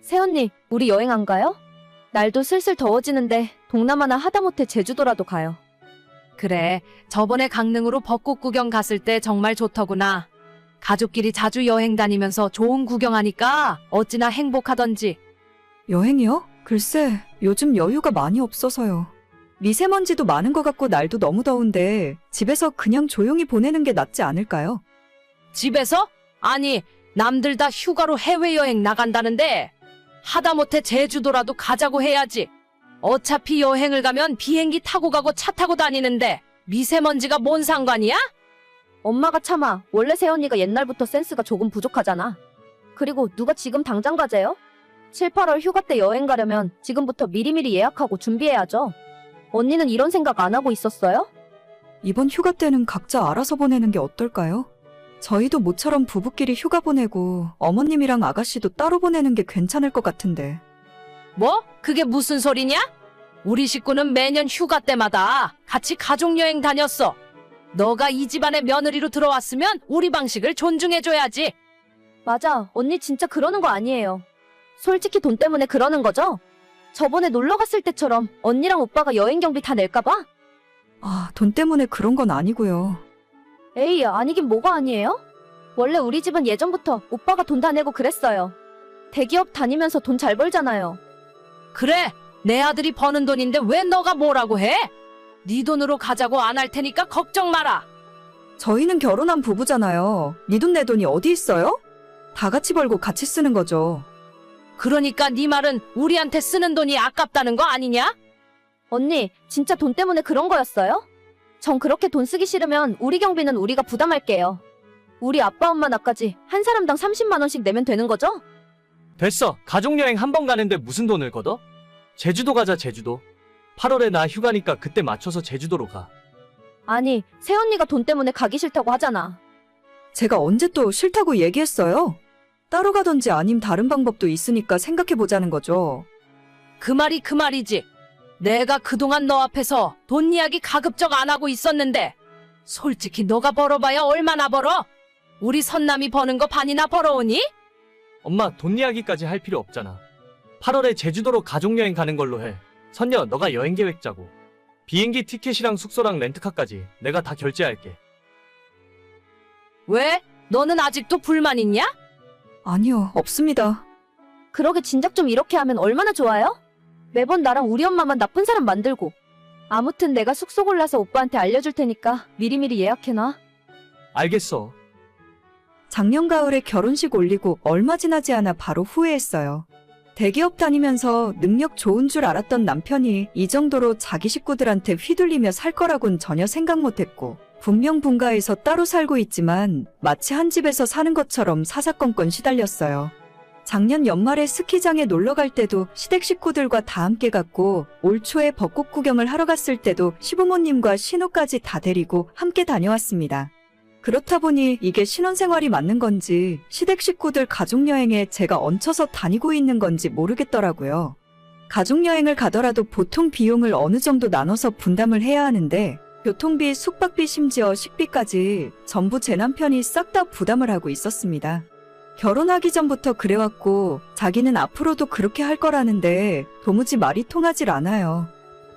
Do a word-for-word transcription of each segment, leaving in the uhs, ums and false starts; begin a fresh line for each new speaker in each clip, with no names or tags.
새언니, 우리 여행 안 가요? 날도 슬슬 더워지는데 동남아나 하다못해 제주도라도 가요.
그래, 저번에 강릉으로 벚꽃 구경 갔을 때 정말 좋더구나. 가족끼리 자주 여행 다니면서 좋은 구경하니까 어찌나 행복하던지.
여행이요? 글쎄, 요즘 여유가 많이 없어서요. 미세먼지도 많은 것 같고 날도 너무 더운데 집에서 그냥 조용히 보내는 게 낫지 않을까요?
집에서? 아니, 남들 다 휴가로 해외여행 나간다는데 하다못해 제주도라도 가자고 해야지. 어차피 여행을 가면 비행기 타고 가고 차 타고 다니는데 미세먼지가 뭔 상관이야?
엄마가 참아. 원래 새언니가 옛날부터 센스가 조금 부족하잖아. 그리고 누가 지금 당장 가재요? 칠, 팔월 휴가 때 여행 가려면 지금부터 미리미리 예약하고 준비해야죠. 언니는 이런 생각 안 하고 있었어요?
이번 휴가 때는 각자 알아서 보내는 게 어떨까요? 저희도 모처럼 부부끼리 휴가 보내고 어머님이랑 아가씨도 따로 보내는 게 괜찮을 것 같은데.
뭐? 그게 무슨 소리냐? 우리 식구는 매년 휴가 때마다 같이 가족여행 다녔어. 너가 이 집안의 며느리로 들어왔으면 우리 방식을 존중해줘야지.
맞아. 언니 진짜 그러는 거 아니에요. 솔직히 돈 때문에 그러는 거죠? 저번에 놀러 갔을 때처럼 언니랑 오빠가 여행 경비 다 낼까봐?
아, 돈 때문에 그런 건 아니고요.
에이, 아니긴 뭐가 아니에요? 원래 우리 집은 예전부터 오빠가 돈 다 내고 그랬어요. 대기업 다니면서 돈 잘 벌잖아요.
그래, 내 아들이 버는 돈인데 왜 너가 뭐라고 해? 네 돈으로 가자고 안 할 테니까 걱정 마라.
저희는 결혼한 부부잖아요. 네 돈 내 돈이 어디 있어요? 다 같이 벌고 같이 쓰는 거죠.
그러니까 네 말은 우리한테 쓰는 돈이 아깝다는 거 아니냐?
언니, 진짜 돈 때문에 그런 거였어요? 전 그렇게 돈 쓰기 싫으면 우리 경비는 우리가 부담할게요. 우리 아빠 엄마 나까지 한 사람당 삼십만 원씩 내면 되는 거죠?
됐어. 가족여행 한 번 가는데 무슨 돈을 걷어? 제주도 가자, 제주도. 팔월에 나 휴가니까 그때 맞춰서 제주도로 가.
아니, 새언니가 돈 때문에 가기 싫다고 하잖아.
제가 언제 또 싫다고 얘기했어요? 따로 가든지 아님 다른 방법도 있으니까 생각해보자는 거죠.
그 말이 그 말이지. 내가 그동안 너 앞에서 돈 이야기 가급적 안 하고 있었는데 솔직히 너가 벌어봐야 얼마나 벌어? 우리 선남이 버는 거 반이나 벌어오니?
엄마, 돈 이야기까지 할 필요 없잖아. 팔월에 제주도로 가족여행 가는 걸로 해. 선녀, 너가 여행 계획 짜고. 비행기 티켓이랑 숙소랑 렌트카까지 내가 다 결제할게.
왜? 너는 아직도 불만 있냐?
아니요, 없습니다.
그러게 진작 좀 이렇게 하면 얼마나 좋아요? 매번 나랑 우리 엄마만 나쁜 사람 만들고. 아무튼 내가 숙소 골라서 오빠한테 알려줄 테니까 미리미리 예약해놔.
알겠어.
작년 가을에 결혼식 올리고 얼마 지나지 않아 바로 후회했어요. 대기업 다니면서 능력 좋은 줄 알았던 남편이 이 정도로 자기 식구들한테 휘둘리며 살 거라곤 전혀 생각 못했고, 분명 분가에서 따로 살고 있지만 마치 한 집에서 사는 것처럼 사사건건 시달렸어요. 작년 연말에 스키장에 놀러 갈 때도 시댁 식구들과 다 함께 갔고, 올 초에 벚꽃 구경을 하러 갔을 때도 시부모님과 신우까지 다 데리고 함께 다녀왔습니다. 그렇다 보니 이게 신혼생활이 맞는 건지 시댁 식구들 가족여행에 제가 얹혀서 다니고 있는 건지 모르겠더라고요. 가족여행을 가더라도 보통 비용을 어느 정도 나눠서 분담을 해야 하는데 교통비, 숙박비, 심지어 식비까지 전부 제 남편이 싹 다 부담을 하고 있었습니다. 결혼하기 전부터 그래왔고 자기는 앞으로도 그렇게 할 거라는데 도무지 말이 통하질 않아요.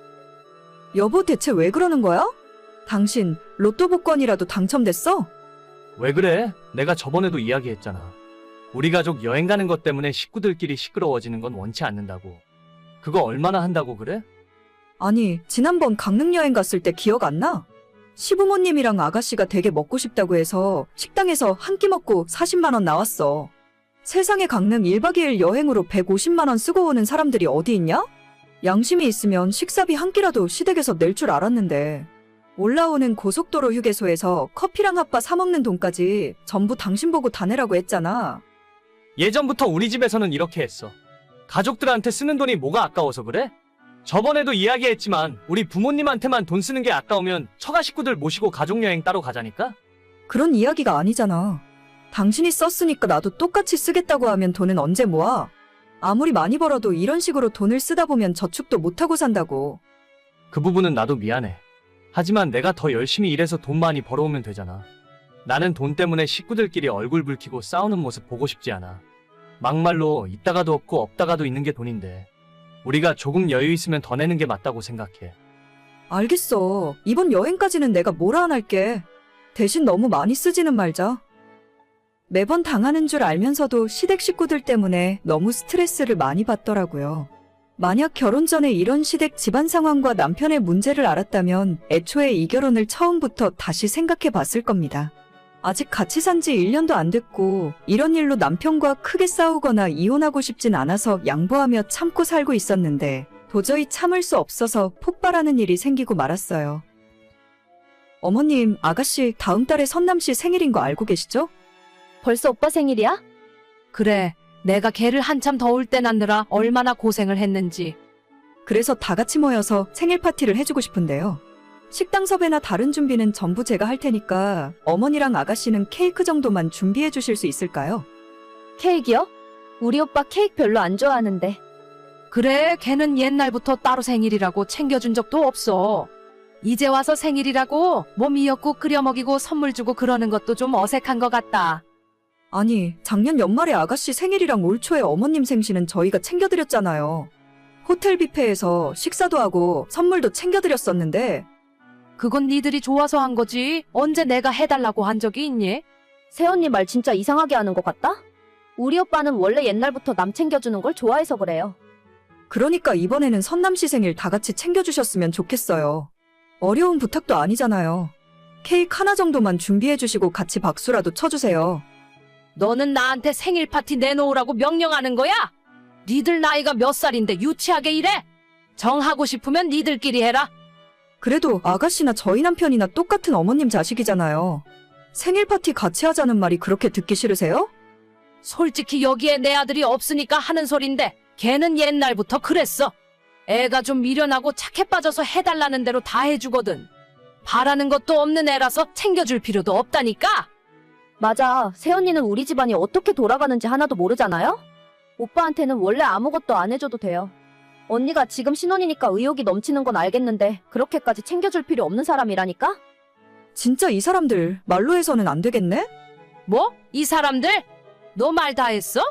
여보, 대체 왜 그러는 거야? 당신 로또 복권이라도 당첨됐어?
왜 그래? 내가 저번에도 이야기했잖아. 우리 가족 여행 가는 것 때문에 식구들끼리 시끄러워지는 건 원치 않는다고. 그거 얼마나 한다고 그래?
아니, 지난번 강릉 여행 갔을 때 기억 안 나? 시부모님이랑 아가씨가 되게 먹고 싶다고 해서 식당에서 한 끼 먹고 사십만 원 나왔어. 세상에 강릉 일 박 이 일 여행으로 백오십만 원 쓰고 오는 사람들이 어디 있냐? 양심이 있으면 식사비 한 끼라도 시댁에서 낼 줄 알았는데. 올라오는 고속도로 휴게소에서 커피랑 핫바 사 먹는 돈까지 전부 당신 보고 다 내라고 했잖아.
예전부터 우리 집에서는 이렇게 했어. 가족들한테 쓰는 돈이 뭐가 아까워서 그래? 저번에도 이야기했지만 우리 부모님한테만 돈 쓰는 게 아까우면 처가 식구들 모시고 가족여행 따로 가자니까?
그런 이야기가 아니잖아. 당신이 썼으니까 나도 똑같이 쓰겠다고 하면 돈은 언제 모아? 아무리 많이 벌어도 이런 식으로 돈을 쓰다 보면 저축도 못하고 산다고.
그 부분은 나도 미안해. 하지만 내가 더 열심히 일해서 돈 많이 벌어오면 되잖아. 나는 돈 때문에 식구들끼리 얼굴 붉히고 싸우는 모습 보고 싶지 않아. 막말로 있다가도 없고 없다가도 있는 게 돈인데 우리가 조금 여유 있으면 더 내는 게 맞다고 생각해.
알겠어. 이번 여행까지는 내가 뭐라 안 할게. 대신 너무 많이 쓰지는 말자. 매번 당하는 줄 알면서도 시댁 식구들 때문에 너무 스트레스를 많이 받더라고요. 만약 결혼 전에 이런 시댁 집안 상황과 남편의 문제를 알았다면 애초에 이 결혼을 처음부터 다시 생각해 봤을 겁니다. 아직 같이 산 지 일 년도 안 됐고 이런 일로 남편과 크게 싸우거나 이혼하고 싶진 않아서 양보하며 참고 살고 있었는데 도저히 참을 수 없어서 폭발하는 일이 생기고 말았어요. 어머님, 아가씨 다음 달에 선남씨 생일인 거 알고 계시죠?
벌써 오빠 생일이야?
그래, 내가 걔를 한참 더울 때 낳느라 얼마나 고생을 했는지.
그래서 다 같이 모여서 생일 파티를 해주고 싶은데요. 식당 섭외나 다른 준비는 전부 제가 할 테니까 어머니랑 아가씨는 케이크 정도만 준비해 주실 수 있을까요?
케이크요? 우리 오빠 케이크 별로 안 좋아하는데.
그래, 걔는 옛날부터 따로 생일이라고 챙겨준 적도 없어. 이제 와서 생일이라고 뭐 미역국 끓여 먹이고 선물 주고 그러는 것도 좀 어색한 것 같다.
아니, 작년 연말에 아가씨 생일이랑 올 초에 어머님 생신은 저희가 챙겨드렸잖아요. 호텔 뷔페에서 식사도 하고 선물도 챙겨드렸었는데
그건 니들이 좋아서 한 거지. 언제 내가 해달라고 한 적이 있니?
새언니 말 진짜 이상하게 하는 것 같다? 우리 오빠는 원래 옛날부터 남 챙겨주는 걸 좋아해서 그래요.
그러니까 이번에는 선남씨 생일 다 같이 챙겨주셨으면 좋겠어요. 어려운 부탁도 아니잖아요. 케이크 하나 정도만 준비해 주시고 같이 박수라도 쳐주세요.
너는 나한테 생일 파티 내놓으라고 명령하는 거야? 니들 나이가 몇 살인데 유치하게 이래? 정하고 싶으면 니들끼리 해라.
그래도 아가씨나 저희 남편이나 똑같은 어머님 자식이잖아요. 생일 파티 같이 하자는 말이 그렇게 듣기 싫으세요?
솔직히 여기에 내 아들이 없으니까 하는 소린데 걔는 옛날부터 그랬어. 애가 좀 미련하고 착해 빠져서 해달라는 대로 다 해주거든. 바라는 것도 없는 애라서 챙겨줄 필요도 없다니까.
맞아. 새언니는 우리 집안이 어떻게 돌아가는지 하나도 모르잖아요? 오빠한테는 원래 아무것도 안 해줘도 돼요. 언니가 지금 신혼이니까 의욕이 넘치는 건 알겠는데 그렇게까지 챙겨줄 필요 없는 사람이라니까?
진짜 이 사람들 말로 해서는 안 되겠네?
뭐? 이 사람들? 너 말 다 했어?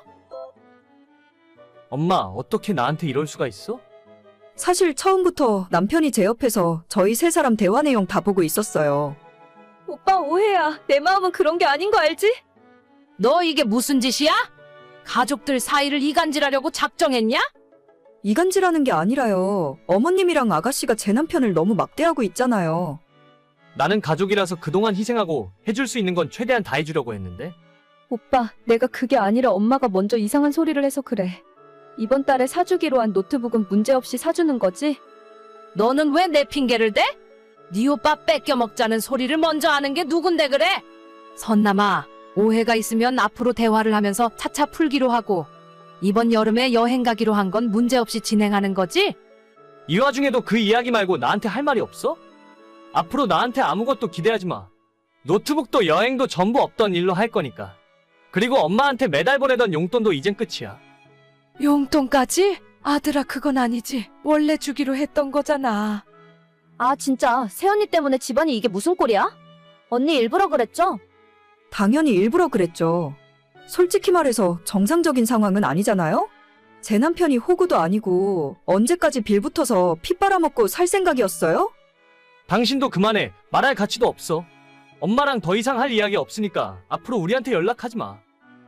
엄마, 어떻게 나한테 이럴 수가 있어?
사실 처음부터 남편이 제 옆에서 저희 세 사람 대화 내용 다 보고 있었어요.
오빠 오해야. 내 마음은 그런 게 아닌 거 알지?
너 이게 무슨 짓이야? 가족들 사이를 이간질하려고 작정했냐?
이간질하는 게 아니라요. 어머님이랑 아가씨가 제 남편을 너무 막대하고 있잖아요.
나는 가족이라서 그동안 희생하고 해줄 수 있는 건 최대한 다 해주려고 했는데
오빠, 내가 그게 아니라 엄마가 먼저 이상한 소리를 해서 그래. 이번 달에 사주기로 한 노트북은 문제없이 사주는 거지?
너는 왜 내 핑계를 대? 네 오빠 뺏겨 먹자는 소리를 먼저 하는 게 누군데 그래? 선남아, 오해가 있으면 앞으로 대화를 하면서 차차 풀기로 하고 이번 여름에 여행 가기로 한 건 문제없이 진행하는 거지?
이 와중에도 그 이야기 말고 나한테 할 말이 없어? 앞으로 나한테 아무것도 기대하지 마. 노트북도 여행도 전부 없던 일로 할 거니까. 그리고 엄마한테 매달 보내던 용돈도 이젠 끝이야.
용돈까지? 아들아, 그건 아니지. 원래 주기로 했던 거잖아.
아 진짜 새언니 때문에 집안이 이게 무슨 꼴이야? 언니 일부러 그랬죠?
당연히 일부러 그랬죠. 솔직히 말해서 정상적인 상황은 아니잖아요? 제 남편이 호구도 아니고 언제까지 빌붙어서 피 빨아먹고 살 생각이었어요?
당신도 그만해. 말할 가치도 없어. 엄마랑 더 이상 할 이야기 없으니까 앞으로 우리한테 연락하지 마.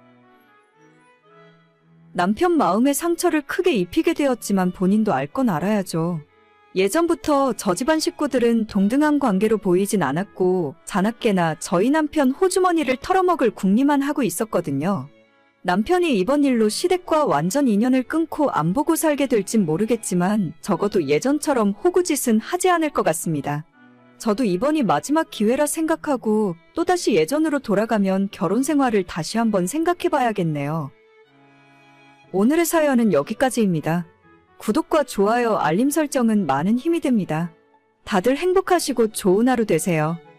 남편 마음에 상처를 크게 입히게 되었지만 본인도 알 건 알아야죠. 예전부터 저 집안 식구들은 동등한 관계로 보이진 않았고 자나깨나 저희 남편 호주머니를 털어먹을 궁리만 하고 있었거든요. 남편이 이번 일로 시댁과 완전 인연을 끊고 안 보고 살게 될진 모르겠지만 적어도 예전처럼 호구짓은 하지 않을 것 같습니다. 저도 이번이 마지막 기회라 생각하고 또다시 예전으로 돌아가면 결혼 생활을 다시 한번 생각해봐야겠네요. 오늘의 사연은 여기까지입니다. 구독과 좋아요, 알림 설정은 많은 힘이 됩니다. 다들 행복하시고 좋은 하루 되세요.